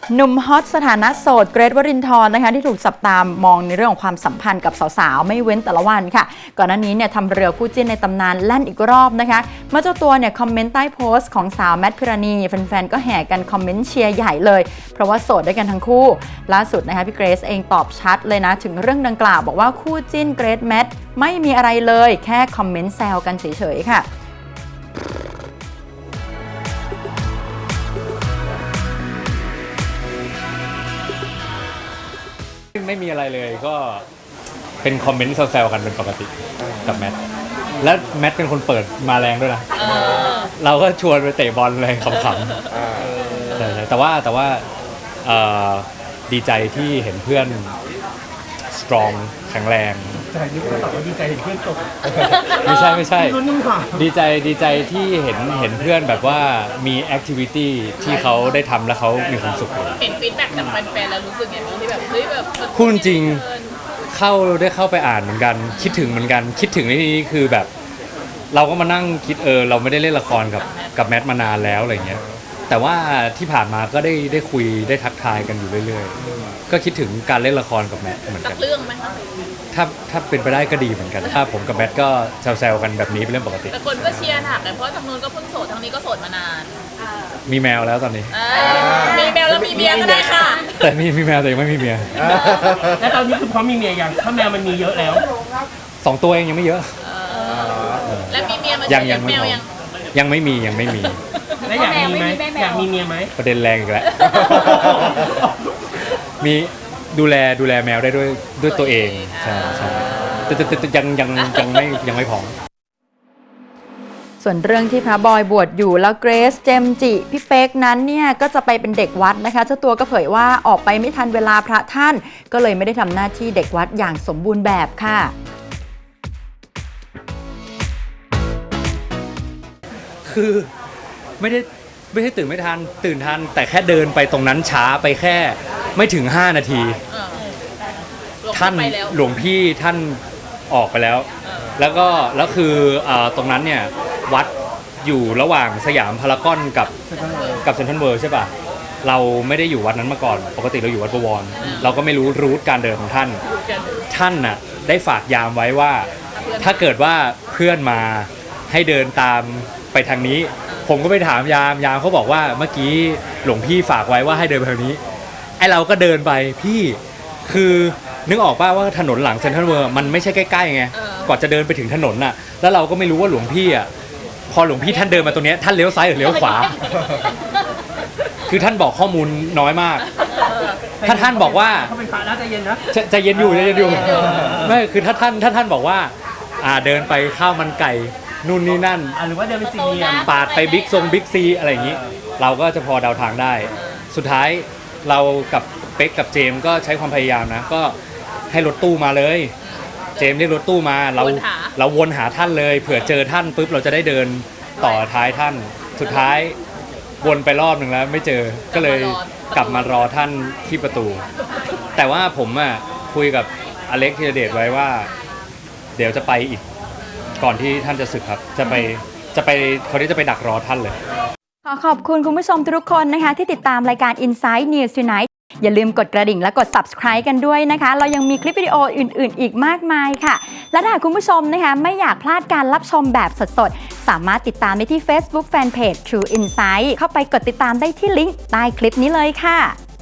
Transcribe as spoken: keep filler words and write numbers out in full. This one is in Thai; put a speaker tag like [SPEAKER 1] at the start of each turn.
[SPEAKER 1] หนุ่มฮอตสถานะโสดเกรทวรินทร์นะคะที่ถูกจับตามมองในเรื่องของความสัมพันธ์กับสาวๆไม่เว้นแต่ละวันค่ะก่อนหน้านี้เนี่ยทำเรือคู่จิ้นในตำนานแล่นอีกรอบนะคะเมื่อเจ้าตัวเนี่ยคอมเมนต์ใต้โพสต์ของสาวแมทพิรณีแฟนๆก็แห่กันคอมเมนต์เชียร์ใหญ่เลยเพราะว่าโสดด้วยกันทั้งคู่ล่าสุดนะคะพี่เกรซเองตอบชัดเลยนะถึงเรื่องดังกล่าวบอกว่าคู่จิ้นเกรทแมทไม่มีอะไรเลยแค่คอมเมนต์แซวกันเฉยๆค่ะ
[SPEAKER 2] ไม่มีอะไรเลยก็เป็นคอมเมนต์แซวๆกันเป็นปกติกับแมทและแมทเป็นคนเปิดมาแรงด้วยนะเราก็ชวนไปเตะบอลอะไรขำๆแต่ว่าแต่ว่าดีใจที่เห็นเพื่อนสตรองแข็งแรง
[SPEAKER 3] แต่นี่ก็ตอบว่าดีใจเห็นเพื่อนจบ
[SPEAKER 2] ไม่ใช่ไม่ใช่ดีใจดีใจที่เห็นเห็นเพื่อนแบบว่ามีแอคทิวิตี้ที่เขาได้ทำแล้วเขามีความสุข
[SPEAKER 4] เห็นฟีดแบ็กจากแฟนๆแล้วรู้สึกอย่างนี้ที่แบบเฮ้ยแบบ
[SPEAKER 2] พูดจริงเข้าได้เข้าไปอ่านเหมือนกันคิดถึงเหมือนกันคิดถึงในที่นี้คือแบบเราก็มานั่งคิดเออเราไม่ได้เล่นละครกับกับแมทมานานแล้วอะไรเงี้ยแต่ว่าที่ผ่านมาก็ได้ได้คุยได้ทักทายกันอยู่เรื่อยๆก็คิดถึงการเล่นละครกับแมทเหมือนกัน
[SPEAKER 4] เรื่องไหมคะ
[SPEAKER 2] ถ้าถ้าเป็นไปได้ก็ดีเหมือนกันถ้าผมกับแมทก็แซวๆกันแบบนี้เป็นเรื่องปกติ
[SPEAKER 4] แต่คนก็เชียร์หนักเลยเพราะทางนู้นก็เพิ่งโสดทางนี้ก็โสดมานาน
[SPEAKER 2] มีแมวแล้วตอนนี้
[SPEAKER 4] มีแมวแล้วมีเมียก็ได้ค่ะ
[SPEAKER 2] แต่มีมีแมวแต่ยังไม่มีเมีย
[SPEAKER 3] แล้วตอนนี้คือพร้อมมีเมียยังถ้าแมวมันมีเยอะแล้ว
[SPEAKER 2] สองตัวเองยังไม่เยอะ
[SPEAKER 4] แล้วมีเมียมา
[SPEAKER 2] ยังยังไม่ยังยังไม่มียังไม่มี
[SPEAKER 3] แล้วอยากมีไหมอยากมีเมียไหม
[SPEAKER 2] ประเด็นแรงอีกแล้วมีดูแลดูแลแมวได้ด้วยด้วยตัวเองใช่ใช่แต่แต่ยังยังยังไม่ยังไม่พร้อม
[SPEAKER 1] ส่วนเรื่องที่พระบอยบวชอยู่แล้วเกรซเจมจิพี่เป๊กนั้นเนี่ยก็จะไปเป็นเด็กวัดนะคะเจ้าตัวก็เผยว่าออกไปไม่ทันเวลาพระท่านก็เลยไม่ได้ทำหน้าที่เด็กวัดอย่างสมบูรณ์แบบค่ะ
[SPEAKER 2] คือไม่ได้ไม่ได้ตื่นไม่ทันตื่นทันแต่แค่เดินไปตรงนั้นช้าไปแค่ไม่ถึงห้านาทีท่านหลวงพี่ท่านออกไปแล้วแล้วก็แล้วคือตรงนั้นเนี่ยวัดอยู่ระหว่างสยามพารากอนกับกับเซ็นทรัลเวิลด์ใช่ป่ะเราไม่ได้อยู่วัดนั้นมาก่อนปกติเราอยู่วัดบวรเราก็ไม่รู้รูทการเดินของท่านท่านน่ะได้ฝากยามไว้ว่าถ้าเกิดว่าเพื่อนมาให้เดินตามไปทางนี้ผมก็ไปถามยามยามเขาบอกว่าเมื่อกี้หลวงพี่ฝากไว้ว่าให้เดินไปทางนี้ไอเราก็เดินไปพี่คือนึกออกป่ะว่าถนนหลังเซ็นทรัลเวิลด์มันไม่ใช่ใกล้ๆไงกว่าจะเดินไปถึงถนนน่ะแล้วเราก็ไม่รู้ว่าหลวงพี่อ่ะพอหลวงพี่ท่านเดินมาตรงนี้ท่านเลี้ยวซ้ายหรือเลี้ยวขวาคือท่านบอกข้อมูลน้อยมากถ้าท่านบอกว่า
[SPEAKER 3] เขาเป็นพระนะใจเย็นนะ
[SPEAKER 2] ใจเย็นอยู่ใจเย็นอยู่ไม่คือถ้าท่านถ้าท่านบอกว่าอ่าเดินไปข้าวมันไก่นู่นนี่นั่น
[SPEAKER 3] หรือว่าเดินไปสี่เหลี่ยม
[SPEAKER 2] ปาดไปบิ๊กซงบิ๊กซีอะไรอย่างนี้เราก็จะพอเดาทางได้สุดท้ายเรากับเป๊กกับเจมก็ใช้ความพยายามนะก็ให้รถตู้มาเลยเจมเรียกรถตู้มาเราเราวนหาท่านเลยเผื่อเจอท่านปุ๊บเราจะได้เดินต่อท้ายท่านสุดท้ายวนไปรอบหนึ่งแล้วไม่เจอก็เลยกลับมารอท่านที่ประตูแต่ว่าผมอ่ะคุยกับอเล็กธีรเดชไว้ว่าเดี๋ยวจะไปอีกก่อนที่ท่านจะสึกครับจะไปจะไปเขาที่จะไปดักรอท่านเลย
[SPEAKER 1] ขอขอบคุณคุณผู้ชมทุกคนนะคะที่ติดตามรายการ Inside News Tonight อย่าลืมกดกระดิ่งและกด Subscribe กันด้วยนะคะเรายังมีคลิปวิดีโออื่นๆอีกมากมายค่ะและถ้าคุณผู้ชมนะคะไม่อยากพลาดการรับชมแบบสดๆสามารถติดตามได้ที่ Facebook Fanpage True Insight เข้าไปกดติดตามได้ที่ลิงก์ใต้คลิปนี้เลยค่ะ